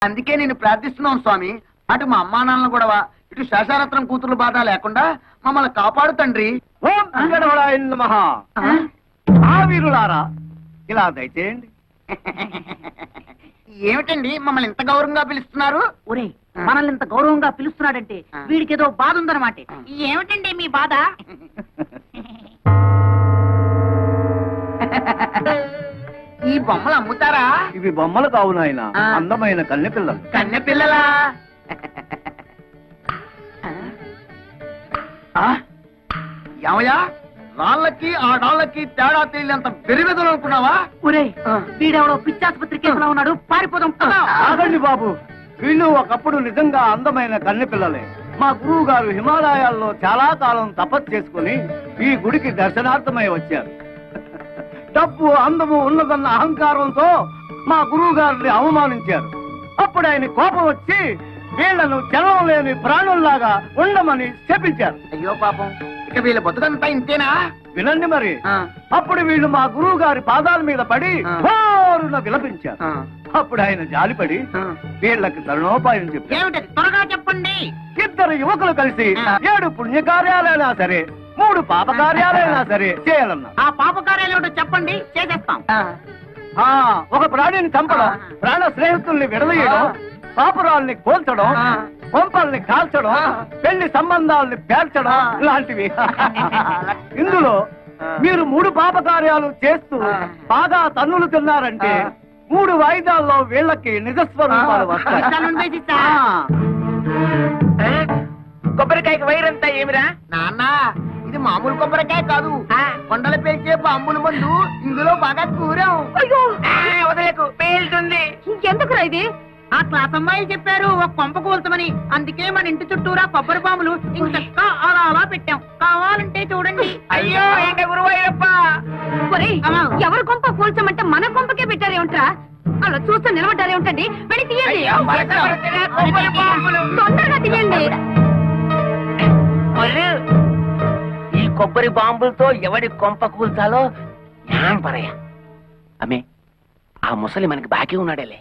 అందుకే నేను ప్రార్థిస్తున్నాను స్వామి. అటు మా అమ్మా నాన్నలు గొడవ, ఇటు శేషారత్నం కూతురు బాధ లేకుండా మమ్మల్ని కాపాడు తండ్రి. ఓం వెంకటరమణాయ నమః. ఆ వీరులారా ఇలా దయచేయండి. ఏమిటండి మమ్మల్ని ఇంత గౌరవంగా పిలుస్తున్నారు? ఒరే, మనల్ని ఇంత గౌరవంగా పిలుస్తున్నాడంటే వీడికి ఏదో బాధ ఉందన్నమాట. ఏమిటండి మీ బాధ? ఈ బొమ్మలు అమ్ముతారా? ఇవి బొమ్మలు కావు నాయన, అందమైన కన్నె పిల్లలు. కన్నె పిల్లలా? ఏమయ్యా, రాళ్ళకి ఆ డాళ్ళకి తేడా తెలియనంత బెరిబెదలు అనుకున్నావా? ఒరే, వీడెవడో పిచ్చాసుపత్రి కేసులో ఉన్నాడు, పారిపోదాం. ఆగండి బాబు, వీళ్ళు ఒకప్పుడు నిజంగా అందమైన కన్నె పిల్లలే. మా గురువు గారు హిమాలయాల్లో చాలా కాలం తపస్సు చేసుకుని ఈ గుడికి దర్శనార్థమై వచ్చారు. డబ్బు అందము ఉన్నదన్న అహంకారంతో మా గురువు గారిని అవమానించారు. అప్పుడు ఆయన కోపం వచ్చి వీళ్లను జనం లేని ప్రాణుల్లాగా ఉండమని శపించారు. అయ్యో పాపం, ఇక వీళ్ళ బతుకంతా ఇంతేనా? వినండి మరి. అప్పుడు వీళ్ళు మా గురువు గారి పాదాల మీద పడి హోరున విలపించారు. అప్పుడు ఆయన జాలిపడి వీళ్ళకి తరుణోపాయం చెప్పారు. ఏమిటి, త్వరగా చెప్పండి. ఇద్దరు యువకులు కలిసి 7 పుణ్యకార్యాలైనా సరే 3 పాప కార్యాలైనా సరే చేయాలన్నా. ఆ పాప కార్యాలు ఏమిటో చెప్పండి, చేసేస్తాం. ఒక ప్రాణిని చంపడం, ప్రాణ స్నేహితుల్ని విడదీయడం, పాపురాల్ని కోల్చడం, కొంపల్ని కాల్చడం, పెళ్లి సంబంధాలని పేర్చడం లాంటివి. ఇందులో మీరు 3 పాప కార్యాలు చేస్తూ బాగా తన్నులు తిన్నారంటే 3 వాయిదాల్లో వీళ్ళకి నిజస్వరూపాలు వస్తాయి. కొబ్బరికాయకి వైరంతా ఏమిరా నాన్న? ఇది మామూలు కొబ్బరికాయ కాదు, కొండలు పేల్చే బాంబుల మందు. ఇందులో బాగా కూరాం. వదలకు, పేలుతుంది. ఇంకెందుకురా ఇది? ఆ క్లాస్ అమ్మాయి చెప్పారు ఒక కొంప కూల్చమని. అందుకే మన ఇంటి చుట్టూరా కొబ్బరి బాంబులు ఇంకా అలా అలా పెట్టాం. కావాలంటే చూడండి. అయ్యో ఏంట గురువయ్యప్ప, ఎవరి కొంప కూల్చమంటే మన కొంపకే పెట్టారేమిట్రా? అలా చూస్తూ నిలబడ్డారేమిటండి? వెళ్ళి తీయండి, తొందరగా తీయండి. ఈ కొబ్బరి బాంబులతో ఎవడి కొంప కూల్చాలో జ్ఞానం పరయ్యా. అమ్మే, ఆ ముసలి మనకి బాకీ ఉన్నాడేలే.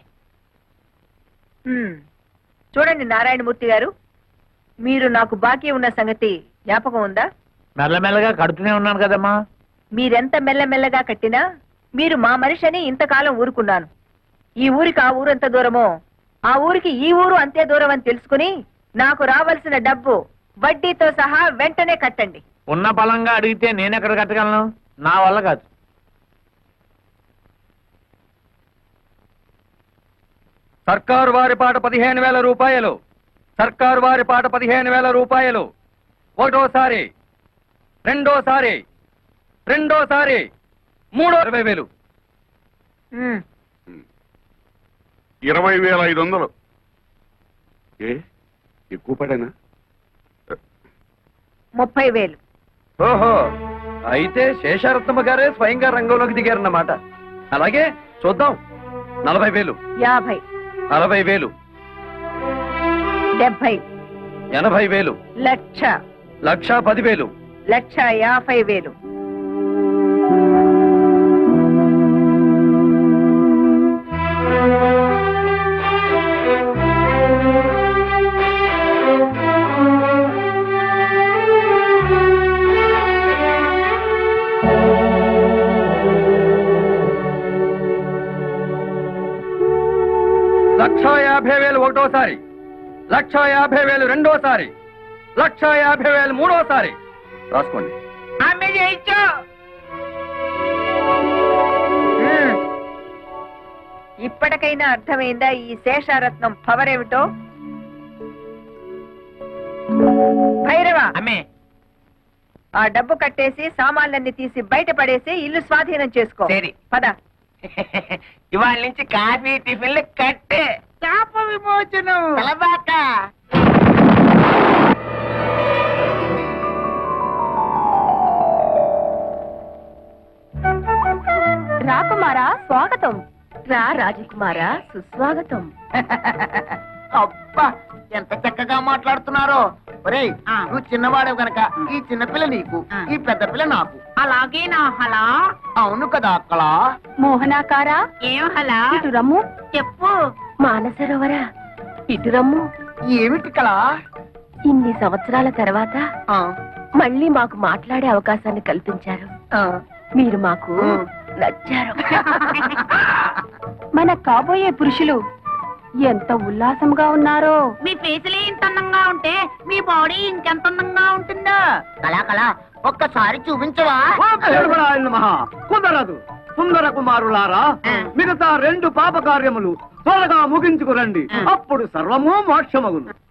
చూడండి నారాయణమూర్తి గారు, మీరు నాకు బాకీ ఉన్న సంగతి జ్ఞాపకం ఉందా? మెల్లమెల్లగా కడుతూనే ఉన్నాను కదమ్మా. మీరెంత మెల్లమెల్లగా కట్టినా మీరు మా మనిషి అని ఇంతకాలం ఊరుకున్నాను. ఈ ఊరికి ఆ ఊరు ఎంత దూరమో ఆ ఊరికి ఈ ఊరు అంతే దూరం అని తెలుసుకుని నాకు రావాల్సిన డబ్బు వడ్డీతో సహా వెంటనే కట్టండి. ఉన్న బలంగా అడిగితే నేనెక్కడ కట్టగలను? నా వల్ల కాదు. సర్కారు వారి పాట 15,000 రూపాయలు. సర్కారు వారి పాట 15,000 రూపాయలు. ఒకటోసారి, రెండోసారి, రెండోసారి, 20,000. 20,500. ఎక్కువ పడేనా? 30,000. ఓహో, అయితే శేషారత్నమ్మ గారే స్వయంగా రంగంలోకి దిగారన్నమాట. అలాగే చూద్దాం. 40,000, 50, 60,000, 70, 80,000, 1,00,000, 1,10,000, 1,50,000. లక్ష 50,000 ఒకటోసారి, 1,50,000 రెండోసారి, 1,50,000 మూడోసారి. రాసుకోండి. ఇప్పటికైనా అర్థమైందా ఈ శేషారత్నం పవర్ ఏమిటో? భైరవా, ఆ డబ్బు కట్టేసి సామాన్లన్నీ తీసి బయట పడేసి ఇల్లు స్వాధీనం చేసుకో. సరే. పద. ఇవాళ నుంచి కాఫీ టిఫిన్లు కట్టే. శాప విమోచనం. రాకుమారా స్వాగతం. రా రాజకుమారా సుస్వాగతం. అబ్బా, ఎంత చక్కగా మాట్లాడుతున్నారో. ఒరేయ్, నువ్వు చిన్నవాడే గనక ఈ చిన్నపిల్ల నీకు, ఈ పెద్ద పిల్ల నాకు. అలాగే నా హలా. అవును కదా అక్కడ. మోహనాకారా ఏం హలా? ఇటు రమ్ము. చెప్పు. మానసరోవర ఇటురమ్ము. ఏమిటి కళ? ఇన్ని సంవత్సరాల తర్వాత మళ్ళీ మాకు మాట్లాడే అవకాశాన్ని కల్పించారు. మీరు మాకు నచ్చారు. మన కాబోయే పురుషులు ఎంత ఉల్లాసంగా ఉన్నారో. మీ ఫేసులే ఇంత అందంగా ఉంటే మీ బాడీ ఇంకెంత అందంగా ఉంటుందో. కళ ఒక్కసారి చూపించవా? మహా కుదరదు. సుందర కుమారులారా, మిగతా 2 పాప కార్యములు త్వరగా ముగించుకురండి. అప్పుడు సర్వము మోక్షమగును.